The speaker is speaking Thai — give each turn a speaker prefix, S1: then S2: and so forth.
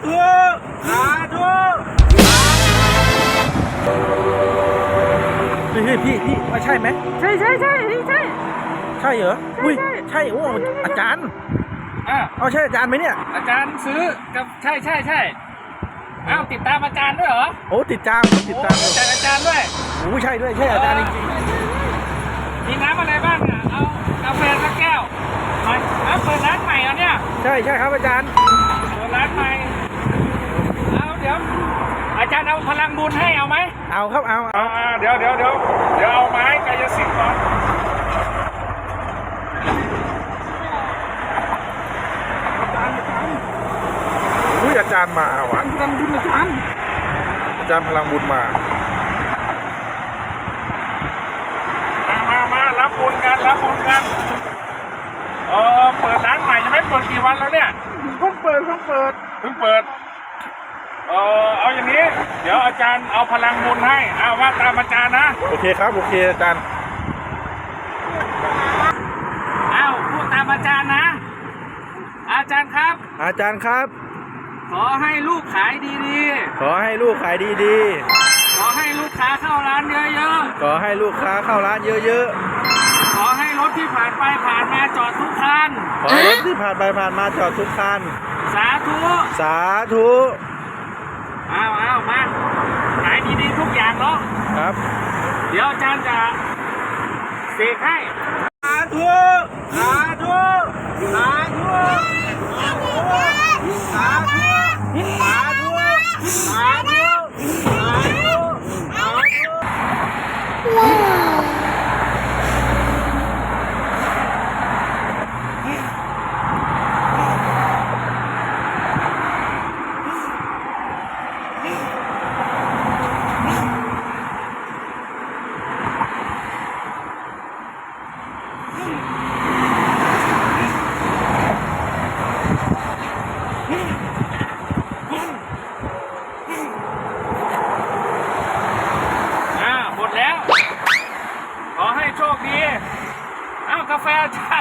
S1: ธุสาธุพี่ว่าใช่ไหม
S2: ใช่ใช่ใช่นี่ใช่
S1: ใช่เหรออุ้ย
S2: ใช่
S1: ใช่โอ้อาจารย์เอาใช่อาจารย์ไหมเนี่ย
S3: อาจารย์ซื้อกับใช่อ้าวติดตามอาจารย์ด้วยเหรอ
S1: โอ้ติดตามผมติดตาม
S3: จากอาจารย์ด้วย
S1: โอ้ใช่ด้วยใช่อาจารย์จริง
S3: มีน้ำอะไรบ้างอ่ะเอากาแฟสักแก้วมาเอาเปิดร้านใหม่เหรอเนี่ย
S1: ใช่ครับอาจารย์
S3: เปิดร้านใหม่เอาเดี๋ยวอาจารย์เอาพลังบุญให้เอาไหม
S1: เอาครับเอา
S3: เดี๋ยวเอาไม้กายสิทธิ์ก่อน
S1: อุ้ยอาจารย์มาว่ะ
S2: พลังบุญอาจารย์
S1: พลังบุญมา
S3: รับบุญกันเปิดร้านใหม่ยังไม่เปิดกี่วันแล้วเนี่ย
S2: เพิ่งเปิด
S3: เอาอย่างนี้เดี๋ยวอาจารย์เอาพลังบุญให้ว่าตามอาจารย์นะ
S1: โอเคครับโอเคอาจารย์
S3: พูดตามอาจารย์นะอาจารย์ครับขอให้ลูกขายดี
S1: ๆขอให้ลูกขายดี
S3: ๆขอให้ลูกค้าเข้าร้านเยอะ
S1: ๆขอให้ลูกค้าเข้าร้านเยอะ
S3: ๆขอให้รถที่ผ่านไปผ่านมาจอดทุกคัน
S1: ขอให้รถที่ผ่านไปผ่านมาจอดทุกคัน
S3: สาธุมาขายดีๆทุกอย่างเนาะ
S1: ครับ
S3: เดี๋ยวอาจารย์จะเสกให้
S1: สาธุสาธุสาธุสาธุสาธุสาธุ
S3: หมดแล้วขอให้โชคดีกาแฟอาจารย์